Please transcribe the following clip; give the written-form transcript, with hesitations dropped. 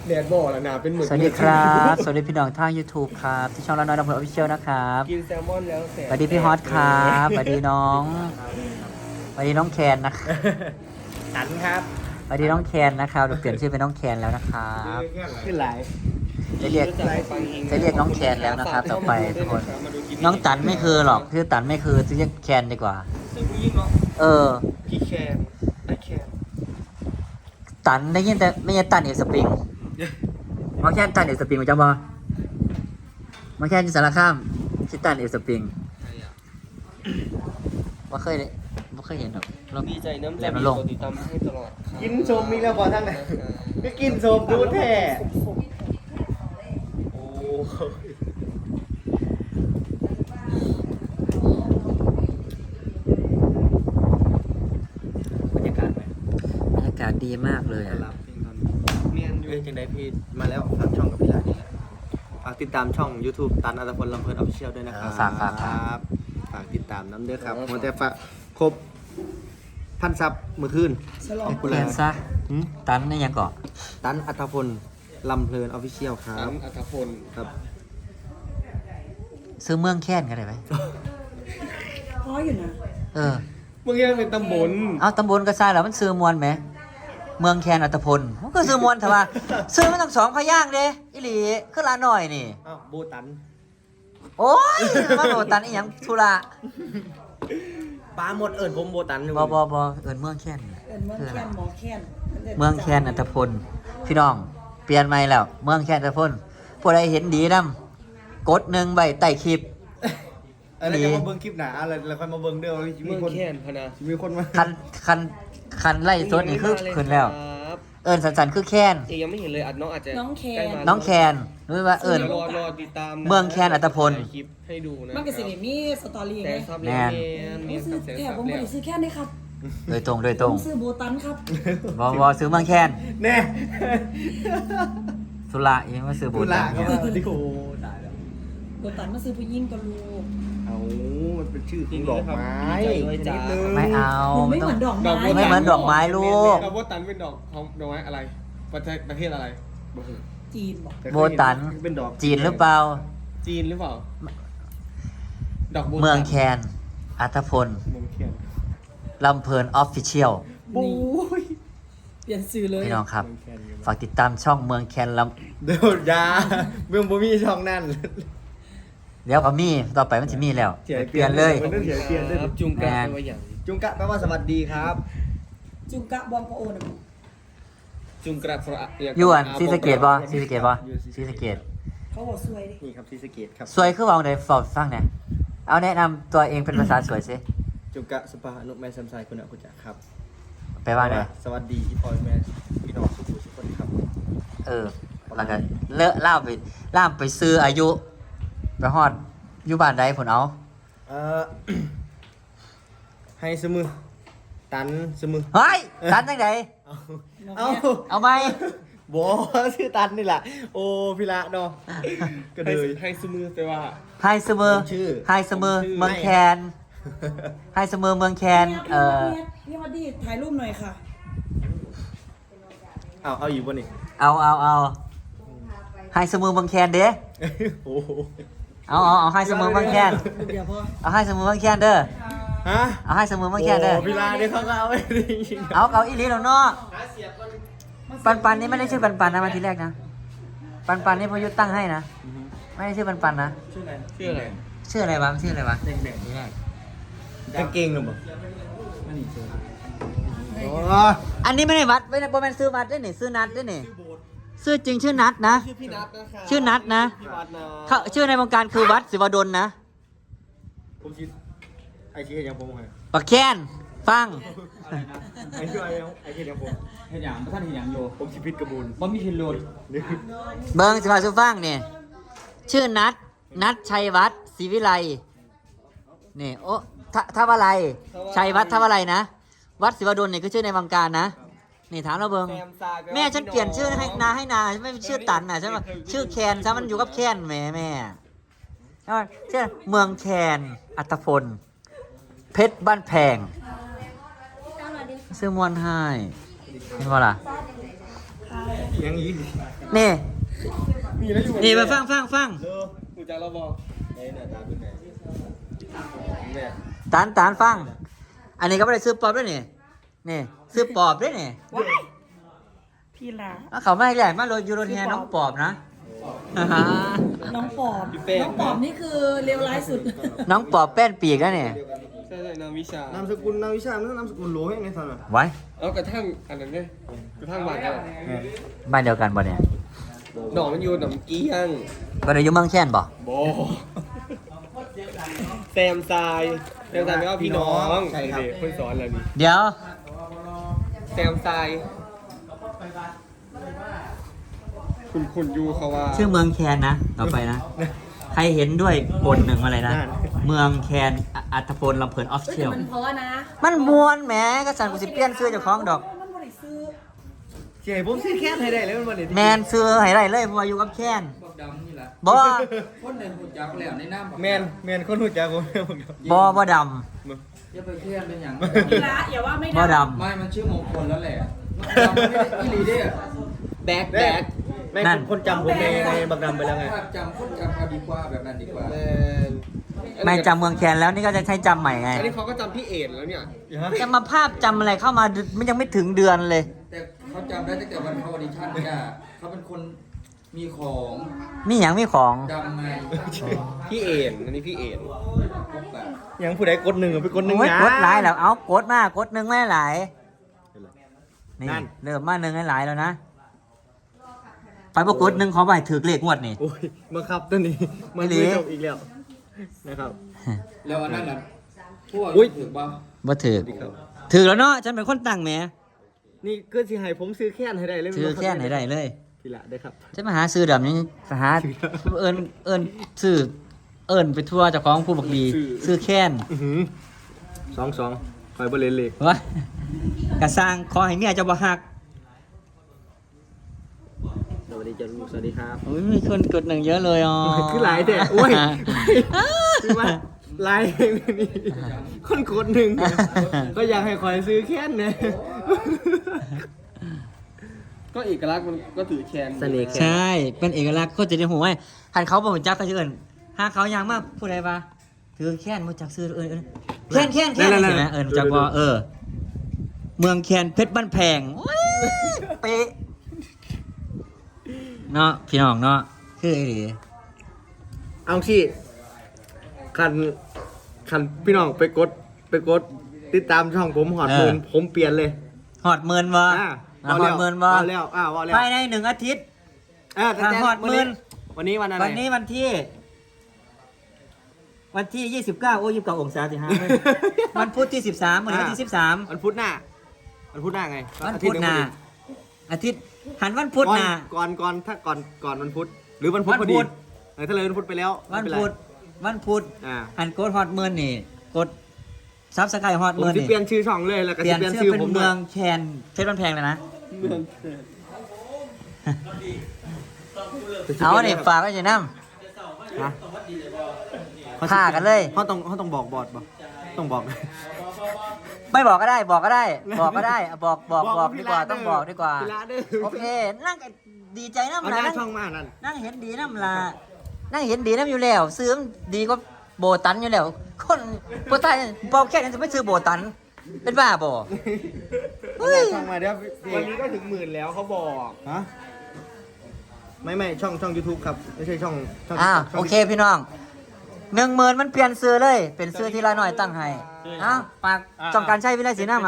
แดดบ่อแล้วนะเป็นหมึกสวัสดีครับสวัสดีพี่น้องทาง YouTube ครับที่ช่องละน้อยลำเพลินออฟฟิเชียลนะครับกินแซลมอนแล้วแสบสวัสดีพี่ฮอตครับสวัสดีน้องสวัสดีน้องแคนนะครับสันครับสวัสดีน้องแคนนะครับเดี๋ยวเปลี่ยนชื่อเป็นน้องแคนแล้วนะครับขึ้นไหลจะเรียกน้องแคนแล้วนะครับ ต่อไปทุกคนน้องตันไม่คือหรอกชื่อตันไม่คือจะเรียกแคนดีกว่าซึ่งผู้ยิ่งเนาะเออพี่แคนไอแคนตันได้ยินแต่ไม่ใช่ตันเอกสปริงมาแค่ตันเอกสปริงมาจังบ่มาแค่ที่สารคามชื่อตันเอกสปริงว่าเคยเห็นหรอกเราดีใจน้ำแหลใจมมีนรงกค์ดติดตามให้ตลอดครับกินชมมีแล้วพอทั้งไหนก็กินชมดูแท้โอ้บรรยากาศไหมบรรยากาศดีมากเลยอะรับเพลงตอนเมียนอยู่เอ้ยจังไดพี่มาแล้วฝากช่องกับพี่ลานี่แหละฝากติดตามช่อง YouTube ตันอัตพลลำเพลินออฟฟิเชียลด้วยนะครับฝากติดตามน้ำเด้อครับมันจะฝากครบพันซับมือคืนให้คุณเรีแล้ยนซะตันนี่ยังเกาะตันอัตพลลำเพลินออฟฟิเชียลครัสับนอัธพลครับซื้อเมืองแค้นกันได้ไหมพออยู่นะเออเมื่อกี้เป็นตำบลเอาตำบลกระซายแล้วมันซื้อมวลไหมเมืองแคนอัตพลมันก็ซื้อมวลแต่ว่าซื้อมันต้องสองพยางค์เด้อิหลีคือลาหน่อยนี่อ้าวโบตันโอ้ยมาโดนตันอีหยังธุระปลาหมดเอิญผมโบตันบเอินเมืองแค้นเป็นเมืองแค้นหมอแค้นเมืองแคนอัตพลพี่น้องเปลี่ยนใหม่แล้ว เมืองแคนอัตพลผู้ใดเห็นดีนำกดหนึ่งใบใต้คลิปแล้วจะมาเบิ้งคลิปหนาอะไรแล้วค่อยมาเบิ้งเด้อว่าเมืมีองคนแคนพนะมีคนมาคันไล่สดนี่คือขึ้นแล้วครับเอินสันคือแคนเอ๊ะยังไม่เห็นเลยอัดน้องอาจจะน้องแคใกล้นมาน้องแคนรู้ว่าเอินดี๋ยวรอติดตามนะเมืองแคนอัตพลถ่ายคลิปให้ดูนะมันก็สิได้มีสตอรี่แต่ไงซับแม่แล้วนเมียนซื้อแสนแค่ซับผมไม่แล้วได้ซื้อแค่นี้ครับโดยตรงผมซื้อโบตันครับบอซื้อเมืองแคนแน่สุระยังมาซื้อบูบุตลาก็มาดิโอ้ตายแล้วโบตันมาซื้อผู้หญิงกับลูกเอามันเป็นชื่อของดอกไม้ดีใจด้วยจ้านิดนึงไม่เอามันไม่ต้เหองมือนดอกไม้ไม่เหมือนดอกไม้ลูกดอกโบตันเป็นดอกของดอกไม้อะไร ประเทศอะไรบอกเถอะจีนบอกโบตันเป็นดอกจีนหรือเปล่าจีนหรือเปล่า ดอกโบตันเมืองแคนอัตพลเมืองแคนลำเพลินออฟฟิเชียลปุ้ยเปลี่ยนซื้อเลยพี่น้องครับ ฝากติดตามช่องเมืองแคนลเดี๋ยวยาเมืองบ่มีช่องนั่นำเดี๋ยวก็มีต่อไปมันจะมีแล้วเสียเปลี่ยนเลยมันต้องเสียเปลี่ยนด้วยครับจุงกะไปว่าอย่างจุงกะแปลว่าสวัสดีครับจุงกะบอมพระโอนะจุงกระพระยวนซีสะเกตบ่ซีสะเกตบ่ซีสะเกตเขาบอกซวยดินี่ครับที่สะเกตครับสวยคือวางในฟอร์ดฟังเนี่ยเอาแนะนำตัวเองเป็นภาษาสวยสิจุงกะสปาอนุแม่ซัมไซคุณอาคุณจักครับไปว่าไงสวัสดีพี่พลอยแม่พี่น้องทุกคนครับเออแล้วก็เลอะล่ามไปซื้ออายุ ไปฮอดอยู่บ้านใดผลเอาเอ่อ ให้สมือตันสมือเฮ้ยตันจังไดเอาเอาไหมบอชื่อตันนี่แหละโอ้พี่ละเนาะก็เลยให้สมือไปว่าไฮเสมอผมชื่อไฮเสมอผมชื่อเมืองแคนไฮเสมอเมืองแคนพี่ฮอดดี้ถ่ายรูปหน่อยค่ะเอาอยู่บนนี่เอาไฮเสมอเมืองแคนเด้โอ้โหเอาไฮเสมอเมืองแคนเดี๋ยวพอเอาไฮเสมอเมืองแคนเด้อฮะเอาไฮเสมอเมืองแคนเด้อโอ้พี่ละเนี่ยเขาก็เอาไปจริงๆเอาอีหลีแล้วเนาะปันนี่ไม่ได้ชื่อปันนะมาทีแรกนะปันนี่พอยุทธตั้งให้นะไม่ได้ชื่อปันนะชื่ออะไรชื่ออะไรชื่ออะไรวะชื่ออะไรวะแดงๆนี่แหละกางเกงหรือเปล่าโอ้อันนี้ไม่ได้วัดไม่ได้โปรแมนซื้อวัดได้หนิซื้อนัดได้หนิซื้อจริงชื่อนัดนะชื่อพี่นัทนะคะชื่อนัดนะพี่วัดนะเขาชื่อในวงการคือวัดศิวดลนะผมคิดไอคิดยังผมไงปักแค้นฟังไอคิดยังผมเห็นอย่างท่านเห็นอย่างโยผมชิพิษกระบุนบ่มีเห็นโลดนี่เบิงสิพาสุฟังเนี่ยชื่อนัดชัยวัฒน์ศรีวิไลนี่โอ้ท่าวาไรชัยวัฒน์ท่าวาไรนะวัดศิวดลเนี่ยคือชื่อในวงการนะนี่ถามเราเบิงแซมซาแปลว่าแม่ฉันเปลี่ยนชื่อให้นาไม่ชื่อตันน่ะฉันว่าชื่อแคนซะมันอยู่กับแคนแม่ใช่ไหมชื่อเมืองแคนอัตพลเพชรบ้านแพงซื้อมวนให้เห็นป่ะล่ะยังอีกนี่มีแล้วอยู่นี่มาฟังเออกูจะเราบอกไอ้หน้าตาเป็นไงเนี่ยตานฟัง อันนี้ก็ไม่ได้ซื้อปอบด้วยนี่ซื้อปอบด้วยนี่ว้ายพี่ละเอาเขาไม่ใหญ่มาโรยูโรแทนน้องปอบนะน้องปอบน้องปอบนี่คือเลวร้ายสุดน้องปอบแป้นปีกแล้วเนี่ยใช่นามวิชานามสกุลนามวิชามันนามสกุลโหลให้ไงท่านอ่ะไว้เอากระทั่งอันนั้นไงกระทั่งหวานกันบ้านเดียวกันบ่เนี่ยหนองมันอยู่หนองเกี้ยงบ้านเดียวอยู่เมืองแค่นบ่โบแซมทรายไม่ว่าพี่น้องใช่ครับคนสอนเรานี่เดี๋ยวแซมทรายคุณยูเขาว่าชื่อเมืองแคนนะต่อไปนะ ใครเห็นด้วยกดหนึ่งอะไรนะ เมืองแคนอัตพลลำเพลินออฟเชียลมันเพราะนะมันมวนแหมก็สั่นกูสิเปลี่ยนซื้อเจ้าของดอกมันบริซื้อเจ๋ผมซื้อแค่ให้ได้เลยมันวันนี้แมนซื้อให้ไรเลยเพราะว่าอยู่กับแคนพวกดำนี่แหละบ่คนเดินหุ่นจักแล้วในน้ำแมนคนหูจักผมบ่ดอย่าไปเครียดเป็นอย่างพี่ละอย่าว่าไม่ำบ่ได้ดไม่มันชื่อมงคลแล้วแหละดำไม่ได้อีหลีเด้แบกไม่คนจำผมในบักดำไปแล้วไงภาพจำคนจำเอาดีกว่าแบบนั้นดีกว่าำไม่จำเมืองแคนแล้วนี่ก็จะใช้จำใหม่ไงอันนี้เขาก็จำพี่เอ็ดแล้วเนี่ยจะมาภาพจำอะไรเข้ามามันยังไม่ถึงเดือนเลยแต่เขาจำได้ตั้งแต่วันเขาออดิชั่นเนี่ยเขาเป็นคนมีของมีอย่างมีของดำไงพี่เอ็ดอันนี้พี่เอ็ดพวกแบบยังผู้ใดกดหนึ่งไปกดหนึ่งโอ้ยนะกดหลายแล้วเอากดมากกดหนึ่งไม่หลายนี่นั่นเริ่มมาหนึ่งให้หลายแล้วนะไปประกดหนึ่งขอไปถือเลขงวดนี่โอ้ยบังคับตัวนี้มันไม่ดีไม่จบอีกแล้วนะครับแล้วอันนั้นน่ะพวกอุ๊ยถือป่ะบ่ถือถือแล้วเนาะฉันเป็นคนตั้งแหมนี่ก็สิให้ผมซื้อแค่ให้ได้เลยถือแค่ไหนได้เลยพี่ละได้ครับฉันมาหาซื้อแบบนี้หาเอิญซื้อเอิญไปทั่วเจ้าของผู้บักดีซื้อแค้นสองคอยบริเลนเล็กวะกระสร้างขอให้เมียเจ้าบ่ฮักสวัสดีจ้าลูกสวัสดีครับโอ้ยมีคนกดหนึ่งเยอะเลยอ๋อคือหลายแต่โอ้ยคือว่าหลายนี่คนกดหนึ่งก็อยากให้คอยซื้อแค่นเนี่ยก็เอกลักษณ์มันก็ถือแคนเสน่ห์ใช่ เป็นเอกลักษณ์คนจะได้หัวไว้หันเขาบอกจักเขาจะเอิญหาเขายังมากผู้ใดปะถือแค้นมาจากซื้อเอิญแค้นใช่ไหมเอิญจากว่าเมืองแคนเพชรบ้านแพงโอ้ยเป๊ะเนาะพี่น้องเนาะคือไอ้หลีเอาสิคันพี่น้องไปกดติดตามช่องผมหอดมือผมเปลี่ยนเลยหอดเมินวะหอดเมินวะว่าแล้วว่าแล้วภายใน1 อาทิตย์แต่ถ้าหอดหมื่นวันนี้วันอะไรวันนี้วันที่ 29 โอ้29 องศาสิฮะ วันพุธที่ 13วันนี้วันที่ 13 วันพุธหน้าไงวันพุธหน้าอาทิตย์หันวันพุธหน้าก่อนถ้าก่อนวันพุธหรือวันพุธพอดีวันพุธถ้าเลยวันพุธไปแล้ววันไม่เป็นไรพุธอ่าหันกดฮอดเมินนี่กดซับสไครต์ฮอดผมเมินจะนี่เปลี่ยนชื่อช่องเลยแล้วก็เปลี่จะยนเปลี่ยนชื่ชื่ออเป็นผมเมืองแคนเพชรบ้านแพงเลยนะเมืองเอาเนี่ยฝากไว้จะน้นะำฆ่ากันเลยเขาต้องบอกบอดบ่ต้องบอกไม่บอกก็ได้บอกก็ได้บอกก็ได้บอกดีกว่าต้องบอกดีกว่าพี่ละเด้อโอเค นั่งก็ดีใจเอาน้ำหลาน้านั่งช่องมานั่นนั่งเห็นดีน้ำลานั่งเห็นดีน้ำอยู่แล้วซื้อมันดีก็โบตันอยู่แล้ว คนโบตันเบาแค่นั้นจะไม่ซื้อโบตัน เป็นบ้าบ่เอาหน้าช่องมาเดี๋ยววันนี้ก็ถึง10,000แล้วเขาบอกฮะไม่ช่อง YouTube ครับไม่ใช่ช่องอ้าวช่งโอเคพี่น้อง10,000มันเปลี่ยนซื้อเลย เป็นซื้อที่ละหน่อยตั้งให้อ้าวฝากจองการใช้วิไลศรีน้ำ